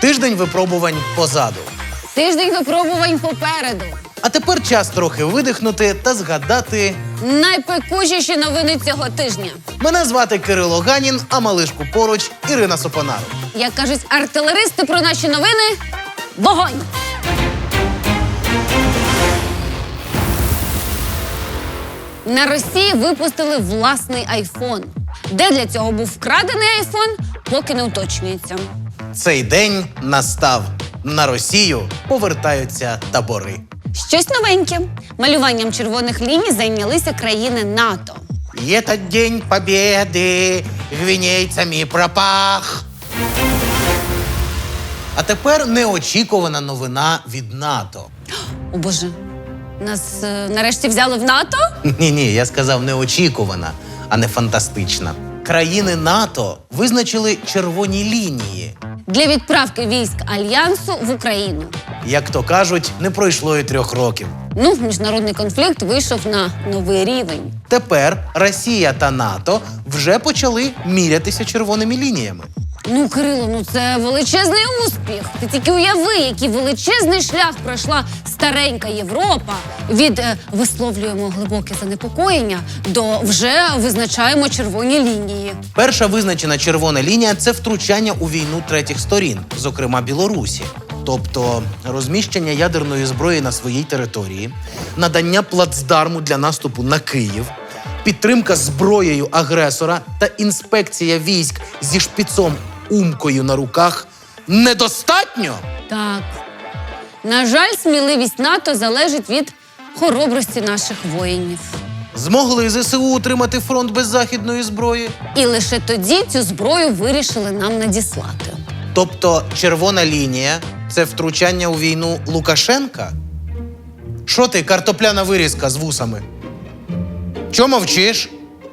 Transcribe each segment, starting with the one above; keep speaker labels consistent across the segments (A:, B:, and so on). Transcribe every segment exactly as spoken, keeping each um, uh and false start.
A: Тиждень випробувань позаду.
B: Тиждень випробувань попереду.
A: А тепер час трохи видихнути та згадати.
B: Найпекучіші новини цього тижня.
A: Мене звати Кирило Ганін, а малишку поруч Ірина Сопонару.
B: Як кажуть артилеристи про наші новини – вогонь! На Росії випустили власний айфон. Де для цього був вкрадений айфон, поки не уточнюється.
A: Цей день настав. На Росію повертаються табори.
B: Щось новеньке. Малюванням червоних ліній зайнялися країни НАТО.
A: І этот день побєди гвінейцями пропах. А тепер неочікувана новина від НАТО.
B: О, Боже, нас е, нарешті взяли в НАТО?
A: Ні-ні, я сказав неочікувана, а не фантастична. Країни НАТО визначили червоні лінії.
B: Для відправки військ Альянсу в Україну.
A: Як то кажуть, не пройшло і трьох років.
B: Ну, міжнародний конфлікт вийшов на новий рівень.
A: Тепер Росія та НАТО вже почали мірятися червоними лініями.
B: Ну, Кирило, ну це величезний успіх. Ти тільки уяви, який величезний шлях пройшла старенька Європа від е, висловлюємо глибоке занепокоєння до вже визначаємо червоні лінії.
A: Перша визначена червона лінія – це втручання у війну третіх сторін, зокрема Білорусі. Тобто розміщення ядерної зброї на своїй території, надання плацдарму для наступу на Київ, підтримка зброєю агресора та інспекція військ зі шпицом умкою на руках недостатньо?
B: Так. На жаль, сміливість НАТО залежить від хоробрості наших воїнів.
A: Змогли ЗСУ утримати фронт без західної зброї?
B: І лише тоді цю зброю вирішили нам надіслати.
A: Тобто червона лінія – це втручання у війну Лукашенка? Що ти, картопляна вирізка з вусами? Чо мовчиш?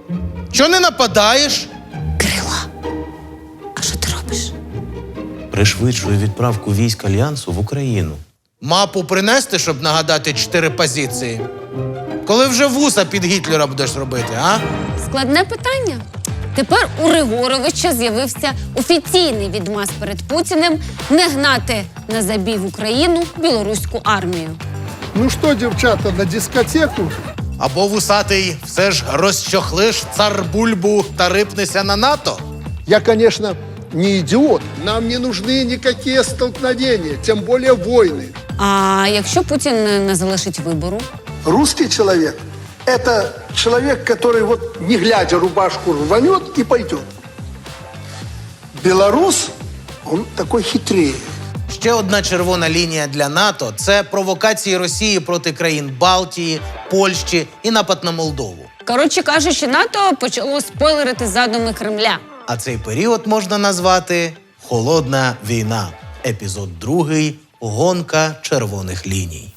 A: Чо не нападаєш?
B: Кирило, а що ти робиш?
A: Пришвидшую відправку військ Альянсу в Україну. Мапу принести, щоб нагадати чотири позиції? Коли вже вуса під Гітлера будеш робити, а?
B: Складне питання. Тепер у Григоровича з'явився офіційний відмаз перед Путіним не гнати на забій в Україну білоруську армію.
C: Ну что, девчата, на дискотеку?
A: Або вусатий все ж розчохлиш цар-бульбу та рипнешся на НАТО?
C: Я, конечно, не идиот. Нам не нужны никакие столкновения, тем более войны.
B: А якщо Путін не залишить вибору?
C: Русский человек – это человек, который вот не глядя рубашку рванет и пойдет. Белорус, он такой хитрее.
A: Ще одна червона лінія для НАТО – це провокації Росії проти країн Балтії, Польщі і напад на Молдову.
B: Коротше кажучи, НАТО почало спойлерити задуми Кремля.
A: А цей період можна назвати «Холодна війна». Епізод другий «Гонка червоних ліній».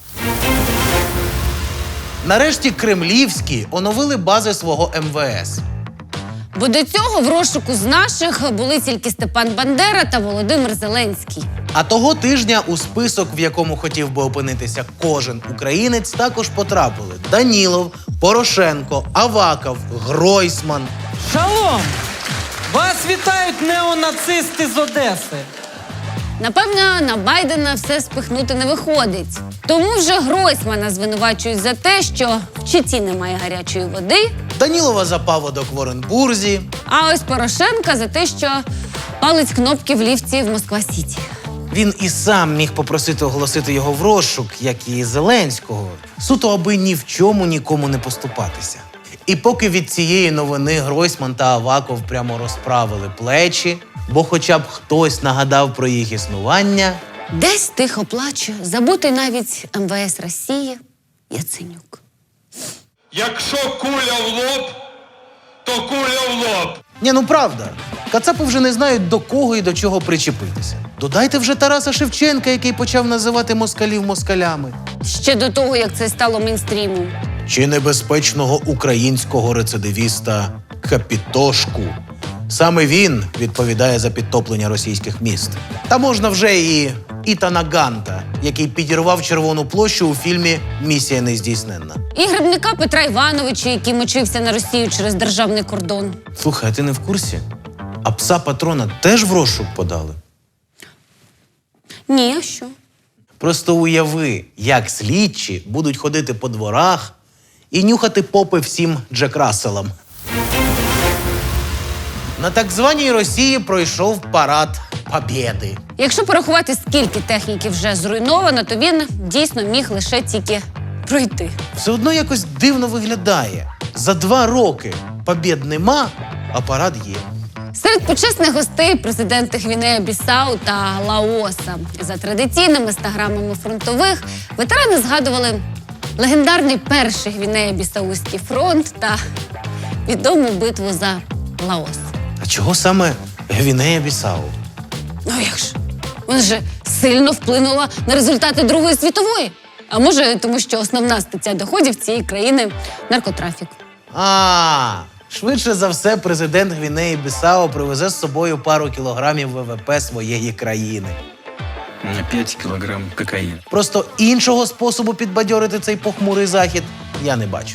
A: Нарешті кремлівські оновили бази свого ем ве ес.
B: Бо до цього в розшуку з наших були тільки Степан Бандера та Володимир Зеленський.
A: А того тижня у список, в якому хотів би опинитися кожен українець, також потрапили Данілов, Порошенко, Аваков, Гройсман.
D: Шалом! Вас вітають неонацисти з Одеси.
B: Напевно, на Байдена все спихнути не виходить. Тому вже Гройсмана звинувачують за те, що в Читі немає гарячої води,
A: Данілова за паводок в Оренбурзі.
B: а ось Порошенка за те, що палить кнопки в ліфті в Москва-Сіті.
A: Він і сам міг попросити оголосити його в розшук, як і Зеленського, суто аби ні в чому нікому не поступатися. І поки від цієї новини Гройсман та Аваков прямо розправили плечі, бо хоча б хтось нагадав про їх існування,
B: Десь тихо плаче, забутий навіть ем ве ес Росії Яценюк.
E: Якщо куля в лоб, то куля в лоб.
A: Ні, ну правда, кацапи вже не знають, до кого і до чого причепитися. Додайте вже Тараса Шевченка, який почав називати москалів москалями.
B: Ще до того, як це стало мейнстрімом.
A: Чи небезпечного українського рецидивіста Капітошку. Саме він відповідає за підтоплення російських міст. Та можна вже і Ітана Ганта, який підірвав Червону площу у фільмі «Місія нездійсненна».
B: І грибника Петра Івановича, який мочився на Росію через державний кордон.
A: Слухай, а ти не в курсі? А пса патрона теж в розшук подали?
B: Ні, а що?
A: Просто уяви, як слідчі будуть ходити по дворах і нюхати попи всім Джек Расселам. На так званій Росії пройшов парад Побєди.
B: Якщо порахувати, скільки техніки вже зруйновано, то він дійсно міг лише тільки пройти.
A: Все одно якось дивно виглядає. За два роки побєд нема, а парад є.
B: Серед почесних гостей президенти Гвінея-Бісау та Лаоса. За традиційними стаграмами фронтових ветерани згадували легендарний перший Гвінея-Бісауський фронт та відому битву за Лаос.
A: А чого саме Гвінея-Бісау?
B: Ну як ж? Вона же сильно вплинула на результати Другої світової. А може, тому що основна стаття доходів цієї країни – наркотрафік.
A: А, швидше за все, президент Гвінеї-Бісау привезе з собою пару кілограмів ВВП своєї країни.
F: На пять килограмм кокаина.
A: Просто іншого способу підбадьорити цей похмурий захід я не бачу.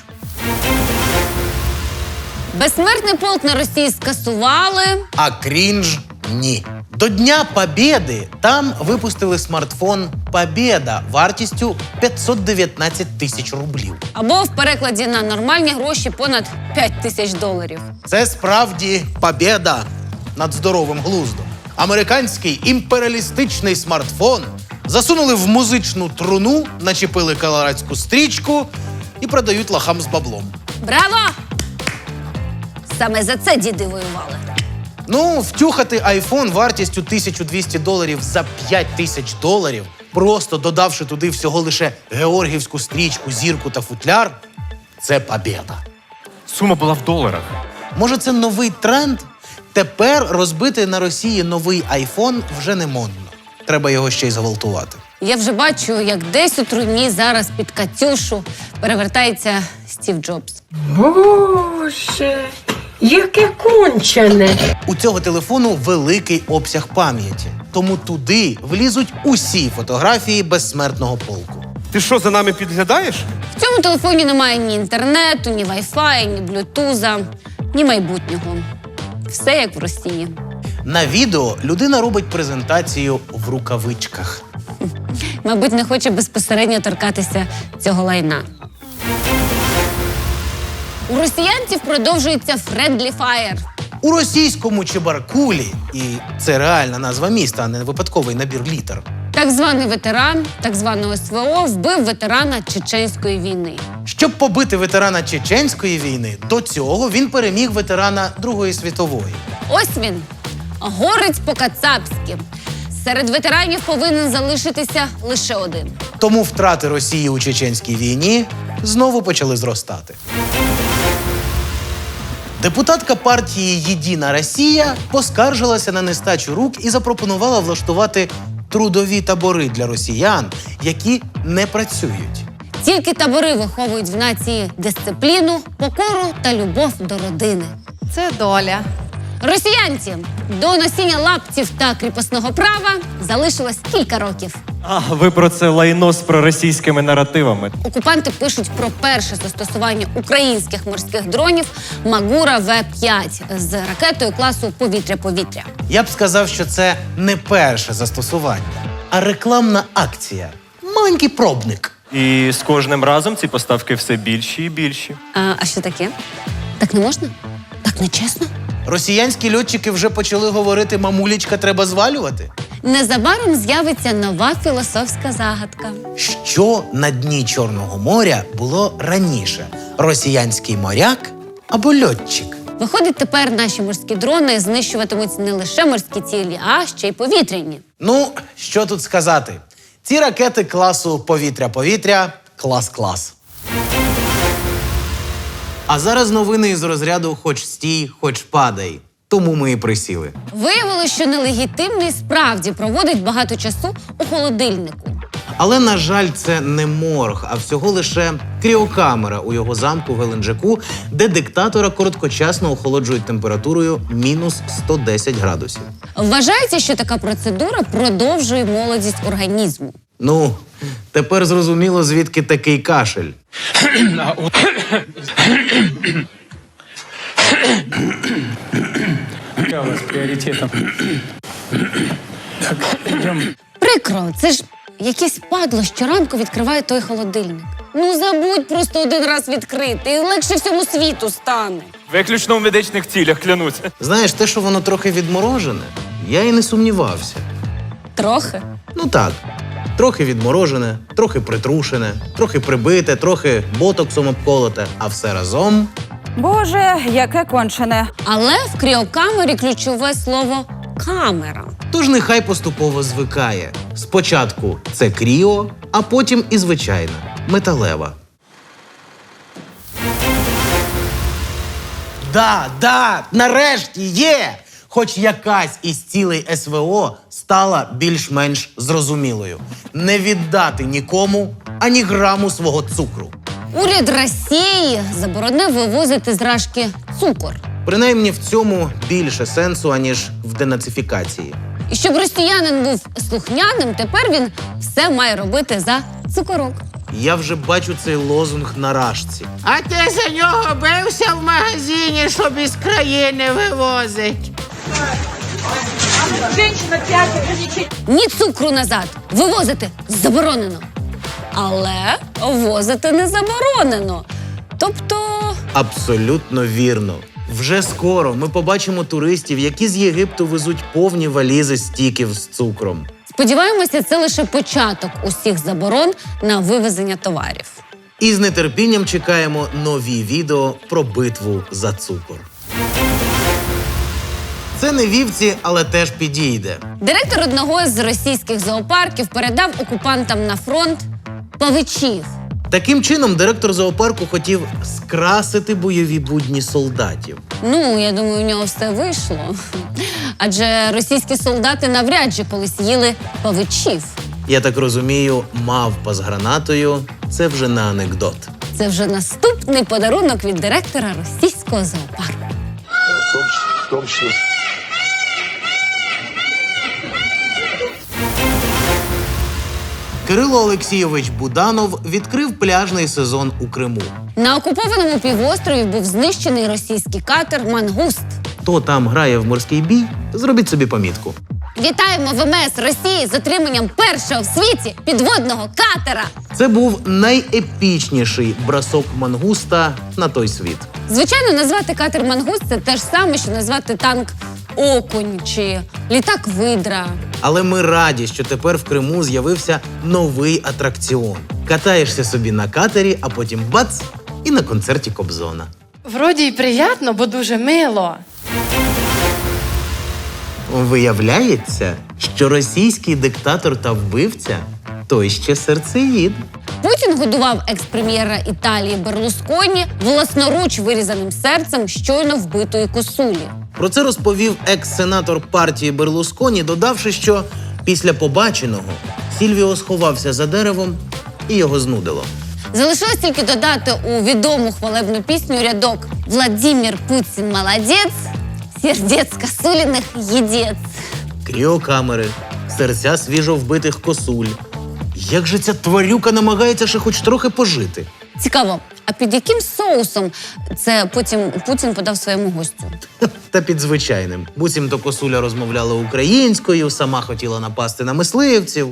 B: Безсмертний полк на Росії скасували.
A: А крінж – ні. До Дня Побєди там випустили смартфон «Побєда» вартістю п'ятсот дев'ятнадцять тисяч рублів.
B: Або в перекладі на нормальні гроші понад п'ять тисяч доларів.
A: Це справді побєда над здоровим глуздом. Американський імперіалістичний смартфон засунули в музичну труну, начепили колорадську стрічку і продають лохам з баблом.
B: Браво! Саме за це діди воювали.
A: Ну, втюхати айфон вартістю тисячу двісті доларів за п'ять тисяч доларів, просто додавши туди всього лише георгіївську стрічку, зірку та футляр – це побєда.
G: Сума була в доларах.
A: Може, це новий тренд? Тепер розбити на Росії новий айфон вже не модно. Треба його ще й зґвалтувати.
B: Я вже бачу, як десь у труні зараз під Катюшу перевертається Стів Джобс.
H: Боже, яке кончене.
A: У цього телефону великий обсяг пам'яті, тому туди влізуть усі фотографії безсмертного полку.
G: Ти що, за нами підглядаєш?
B: В цьому телефоні немає ні інтернету, ні вайфаю, ні блютуза, ні майбутнього. Все як в Росії.
A: На відео людина робить презентацію в рукавичках.
B: Мабуть, не хоче безпосередньо торкатися цього лайна. У росіянців продовжується Friendly Fire.
A: У російському Чебаркулі, і це реальна назва міста, а не випадковий набір літер,
B: Так званий ветеран так званого СВО вбив ветерана Чеченської війни.
A: щоб побити ветерана Чеченської війни, до цього він переміг ветерана Другої світової.
B: Ось він, горець по-кацапськи. Серед ветеранів повинен залишитися лише один.
A: Тому втрати Росії у Чеченській війні знову почали зростати. Депутатка партії «Єдина Росія» поскаржилася на нестачу рук і запропонувала влаштувати трудові табори для росіян, які не працюють.
B: Тільки табори виховують в нації дисципліну, покору та любов до родини.
I: Це доля.
B: Росіянці до носіння лаптів та кріпосного права залишилось кілька років.
J: А, ви про це лайно з проросійськими наративами.
B: Окупанти пишуть про перше застосування українських морських дронів Магура Ве п'ять з ракетою класу повітря-повітря.
A: Я б сказав, що це не перше застосування, а рекламна акція. Маленький пробник.
J: І з кожним разом ці поставки все більші і більші.
B: А, а що таке? Так не можна? Так не чесно?
A: Росіянські льотчики вже почали говорити «мамулечка, треба звалювати».
B: Незабаром з'явиться нова філософська загадка.
A: Що на дні Чорного моря було раніше? Росіянський моряк або льотчик?
B: Виходить, тепер наші морські дрони знищуватимуть не лише морські цілі, а ще й повітряні.
A: Ну, що тут сказати? Ці ракети класу повітря-повітря – клас-клас. А зараз новини із розряду «хоч стій, хоч падай». Тому ми і присіли.
B: Виявилося, що нелегітимний справді проводить багато часу у холодильнику.
A: Але, на жаль, це не морг, а всього лише кріокамера у його замку в Геленджику, де диктатора короткочасно охолоджують температурою мінус сто десять градусів.
B: Вважається, що така процедура продовжує молодість організму.
A: Ну, тепер зрозуміло, звідки такий кашель.
F: Какая у вас приоритетом? Так, идем.
B: Прикро, це ж якесь падло щоранку відкриває той холодильник. Ну забудь просто один раз відкрити, і легше всьому світу стане.
J: Виключно в медичних цілях, клянусь.
A: Знаєш, те, що воно трохи відморожене, я і не сумнівався.
B: Трохи.
A: Ну так, трохи відморожене, трохи притрушене, трохи прибите, трохи ботоксом обколоте, а все разом.
I: Боже, яке кончене.
B: Але в кріокамері ключове слово камера.
A: Тож нехай поступово звикає. Спочатку це кріо, а потім і звичайна, металева. Да, да, нарешті є! Хоч якась із цілей ес ве о стала більш-менш зрозумілою. Не віддати нікому ані граму свого цукру.
B: Уряд Росії заборонив вивозити з Рашки цукор.
A: Принаймні в цьому більше сенсу, аніж в денацифікації.
B: І щоб росіянин був слухняним, тепер він все має робити за цукорок.
A: Я вже бачу цей лозунг на рашці.
K: А ти за нього бився в магазині, щоб із країни вивозить.
B: Ні цукру назад. Вивозити заборонено. Але возити не заборонено. Тобто...
A: Абсолютно вірно. Вже скоро ми побачимо туристів, які з Єгипту везуть повні валізи стіків з цукром.
B: Сподіваємося, це лише початок усіх заборон на вивезення товарів.
A: І з нетерпінням чекаємо нові відео про битву за цукор. Це не вівці, але теж підійде.
B: Директор одного з російських зоопарків передав окупантам на фронт павичів.
A: Таким чином, директор зоопарку хотів скрасити бойові будні солдатів.
B: Ну, я думаю, у нього все вийшло. Адже російські солдати навряд чи колись їли павичів.
A: Я так розумію, мавпа з гранатою – це вже не анекдот.
B: Це вже наступний подарунок від директора російського зоопарку.
A: Кирило Олексійович Буданов відкрив пляжний сезон у Криму.
B: На окупованому півострові був знищений російський катер «Мангуст».
A: Хто там грає в морський бій, зробіть собі помітку.
B: Вітаємо ВМС Росії з отриманням першого в світі підводного катера.
A: Це був найепічніший бросок мангуста на той світ.
B: Звичайно, назвати катер «Мангуст» – це те ж саме, що назвати танк «Окунь» чи літак «Видра».
A: Але ми раді, що тепер в Криму з'явився новий атракціон. Катаєшся собі на катері, а потім бац – і на концерті Кобзона.
H: Вроді й приємно, бо дуже мило.
A: Виявляється, що російський диктатор та вбивця – той ще серцеїд.
B: Путін годував екс-прем'єра Італії Берлусконі власноруч вирізаним серцем щойно вбитої косулі.
A: Про це розповів екс-сенатор партії Берлусконі, додавши, що після побаченого Сільвіо сховався за деревом і його знудило.
B: Залишилось тільки додати у відому хвалебну пісню рядок «Владимир Путін молодець, сердець косуліних єдець».
A: Кріокамери, серця свіжо вбитих косуль. Як же ця тварюка намагається ще хоч трохи пожити?
B: Цікаво, а під яким соусом це потім Путін подав своєму гостю?
A: Та під звичайним. Буцімто косуля розмовляла українською, сама хотіла напасти на мисливців.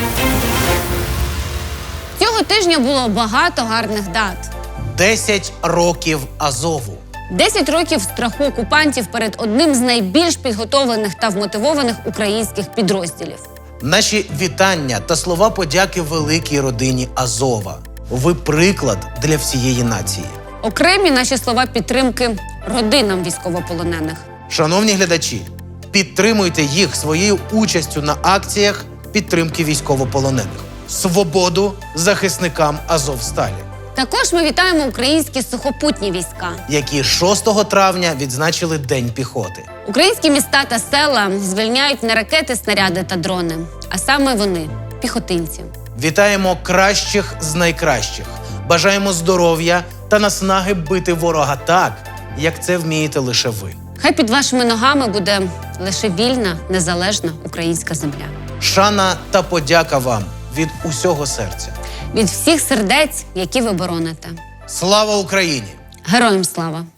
B: Цього тижня було багато гарних дат.
A: Десять років Азову.
B: Десять років страху окупантів перед одним з найбільш підготовлених та вмотивованих українських підрозділів.
A: Наші вітання та слова подяки великій родині Азова. Ви приклад для всієї нації.
B: Окремі наші слова підтримки родинам військовополонених.
A: Шановні глядачі, підтримуйте їх своєю участю на акціях підтримки військовополонених. Свободу захисникам Азовсталі,
B: Також ми вітаємо українські сухопутні війська.
A: які шостого травня відзначили День піхоти.
B: Українські міста та села звільняють не ракети, снаряди та дрони, а саме вони – піхотинці.
A: Вітаємо кращих з найкращих. Бажаємо здоров'я та наснаги бити ворога так, як це вмієте лише ви.
B: Хай під вашими ногами буде лише вільна, незалежна українська земля.
A: Шана та подяка вам від усього серця.
B: Від всіх сердець, які ви бороните.
A: Слава Україні!
B: Героям слава!